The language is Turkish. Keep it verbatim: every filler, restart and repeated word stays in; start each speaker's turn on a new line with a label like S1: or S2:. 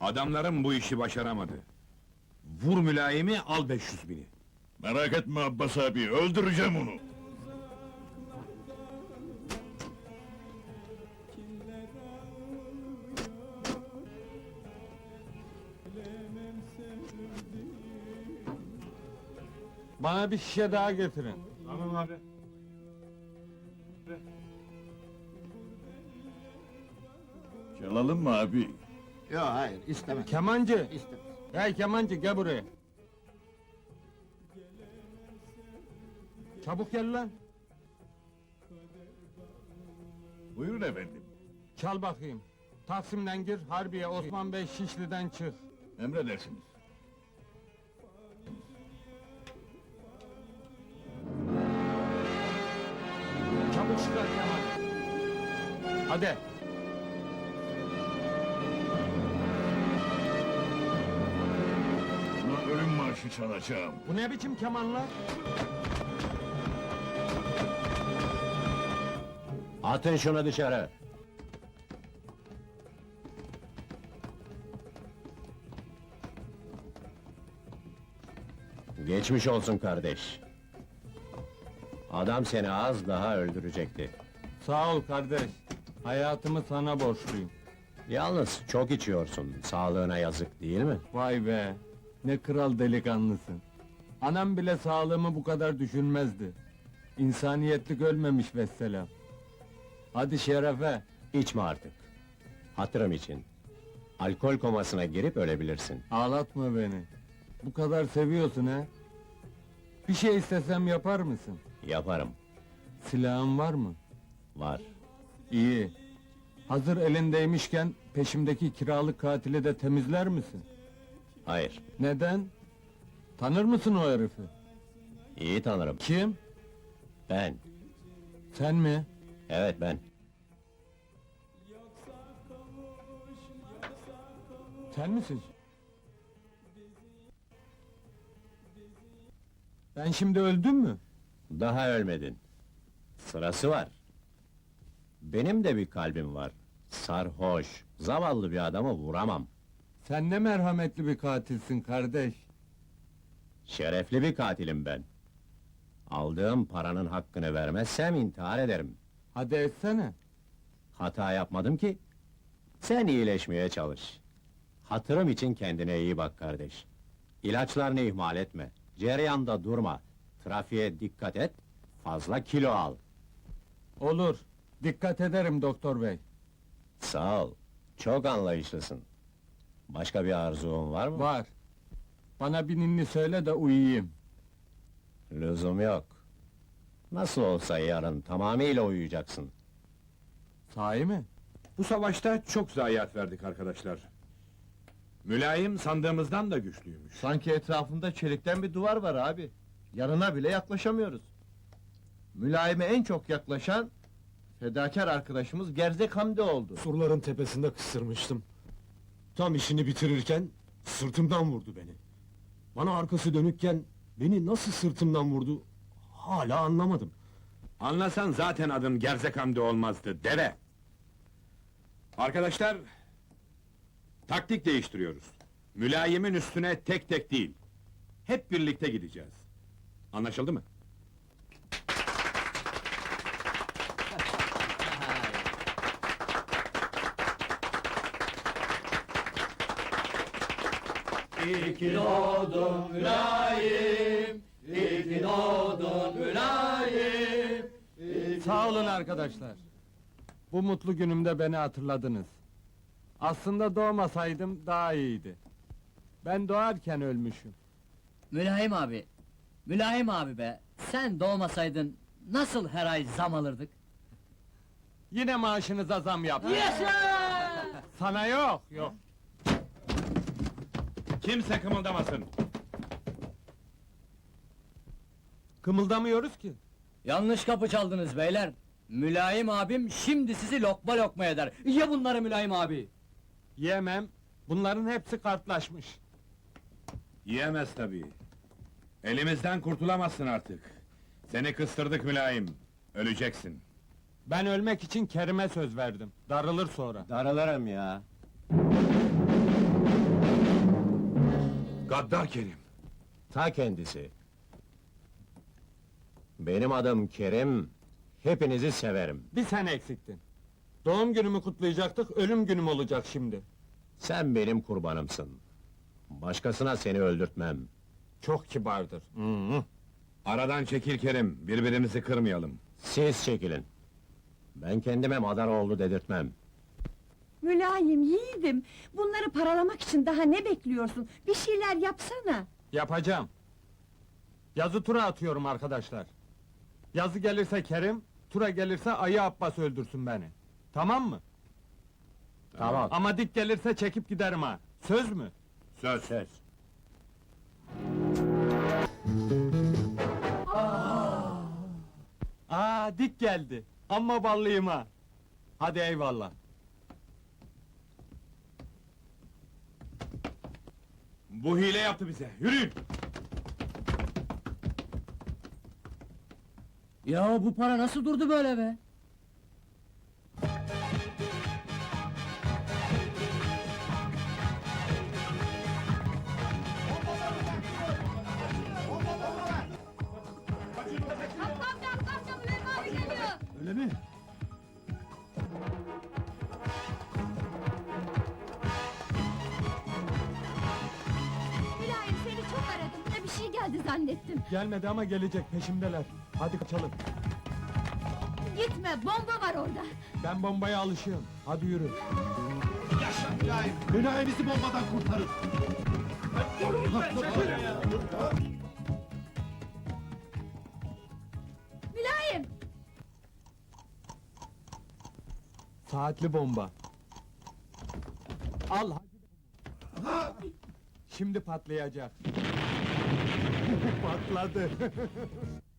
S1: Adamlarım bu işi başaramadı. Vur mülayimi, al beş yüz bini.
S2: Merak etme Abbas abi, öldüreceğim onu!
S3: Bana bir şişe daha getirin.
S4: Tamam abi.
S2: Çalalım mı abi?
S5: Yok hayır istemem.
S3: Kemancı!
S5: İstemem.
S3: Hey kemancı, gel buraya! Çabuk gel lan!
S2: Buyurun efendim.
S3: Çal bakayım. Taksim'den gir, Harbiye, Osman Bey Şişli'den çık.
S2: Emredersiniz.
S3: Çabuk çıkar Kemal! Hadi!
S2: Buna ölüm marşı çalacağım.
S3: Bu ne biçim kemanlar?
S5: Atın şunu dışarı. Geçmiş olsun kardeş. Adam seni az daha öldürecekti.
S3: Sağ ol kardeş. Hayatımı sana borçluyum.
S5: Yalnız çok içiyorsun, sağlığına yazık değil mi?
S3: Vay be! Ne kral delikanlısın. Anam bile sağlığımı bu kadar düşünmezdi. İnsaniyetlik ölmemiş vesselam. Hadi şerefe!
S5: İçme artık. Hatırım için. Alkol komasına girip ölebilirsin.
S3: Ağlatma beni. Bu kadar seviyorsun ha? Bir şey istesem yapar mısın?
S5: Yaparım.
S3: Silahın var mı?
S5: Var.
S3: İyi. Hazır elindeymişken peşimdeki kiralık katili de temizler misin?
S5: Hayır.
S3: Neden? Tanır mısın o herifi?
S5: İyi tanırım.
S3: Kim?
S5: Ben.
S3: Sen mi?
S5: Evet ben.
S3: Sen misin? Ben şimdi öldüm mü?
S5: Daha ölmedin. Sırası var. Benim de bir kalbim var. Sarhoş, zavallı bir adamı vuramam.
S3: Sen ne merhametli bir katilsin kardeş.
S5: Şerefli bir katilim ben. Aldığım paranın hakkını vermezsem intihar ederim.
S3: Hadi etsene.
S5: Hata yapmadım ki. Sen iyileşmeye çalış. Hatırım için kendine iyi bak kardeş. İlaçlarını ihmal etme. Cereyanda durma. Trafiğe dikkat et. Fazla kilo al.
S3: Olur. Dikkat ederim doktor bey.
S5: Sağ ol. Çok anlayışlısın. Başka bir arzun var mı?
S3: Var. Bana bir ninni söyle de uyuyayım.
S5: Lüzum yok. Nasıl olsa yarın tamamıyla uyuyacaksın.
S3: Sahi mi?
S1: Bu savaşta çok zayiat verdik arkadaşlar. Mülayim sandığımızdan da güçlüymüş.
S4: Sanki etrafında çelikten bir duvar var abi. Yanına bile yaklaşamıyoruz. Mülayime en çok yaklaşan fedakar arkadaşımız Gerzek Hamdi oldu.
S6: Surların tepesinde kıstırmıştım. Tam işini bitirirken sırtımdan vurdu beni. Bana arkası dönükken beni nasıl sırtımdan vurdu hala anlamadım.
S1: Anlasan zaten adın Gerzek Hamdi olmazdı, deve! Arkadaşlar, taktik değiştiriyoruz. Mülayimin üstüne tek tek değil, hep birlikte gideceğiz. Anlaşıldı mı?
S7: İki doğdun mülayim, iki doğdun mülayim.
S3: Sağ olun arkadaşlar. Bu mutlu günümde beni hatırladınız. Aslında doğmasaydım daha iyiydi. Ben doğarken ölmüşüm.
S7: Mülayim abi, mülayim abi be, sen doğmasaydın nasıl her ay zam alırdık?
S3: Yine maaşınıza zam yaptım.
S7: Yaşa!
S3: Sana yok, yok.
S1: Kimse kımıldamasın!
S3: Kımıldamıyoruz ki.
S7: Yanlış kapı çaldınız beyler. Mülayim abim şimdi sizi lokma lokma eder. Ye bunları mülayim abi.
S3: Yemem. Bunların hepsi kartlaşmış.
S1: Yiyemez tabii. Elimizden kurtulamazsın artık. Seni kıstırdık mülayim, öleceksin.
S3: Ben ölmek için Kerim'e söz verdim. Darılır sonra.
S5: Darılırım ya.
S1: Gaddar Kerim.
S5: Ta kendisi. Benim adım Kerim, hepinizi severim.
S3: Bir sen eksiktin. Doğum günümü kutlayacaktık, ölüm günüm olacak şimdi.
S5: Sen benim kurbanımsın. Başkasına seni öldürtmem.
S3: Çok kibardır. Hı hı.
S1: Aradan çekil Kerim, birbirimizi kırmayalım.
S5: Siz çekilin. Ben kendime Madaroğlu dedirtmem.
S8: Mülayim, yiğidim. Bunları paralamak için daha ne bekliyorsun? Bir şeyler yapsana.
S3: Yapacağım. Yazı tura atıyorum arkadaşlar. Yazı gelirse Kerim, tura gelirse Ayı Abbas öldürsün beni. Tamam mı?
S5: Tamam.
S3: Ama dik gelirse çekip giderim ha. Söz mü?
S1: Söz.
S5: Söz.
S3: Aa, dik geldi. Amma ballıyım ha. Hadi eyvallah.
S1: Bu hile yaptı bize, yürüyün!
S7: Ya bu para nasıl durdu böyle be?
S2: Öyle mi?
S8: Mülayim, seni çok aradım. Da bir şey geldi zannettim.
S3: Gelmedi ama gelecek, peşimdeler. Hadi kaçalım.
S8: Gitme, bomba var orada.
S3: Ben bombaya alışığım. Hadi yürü.
S2: Mülayim bizi bombadan kurtarır.
S8: Mülayim!
S3: Saatli bomba. Al hadi. Şimdi patlayacak. Patladı.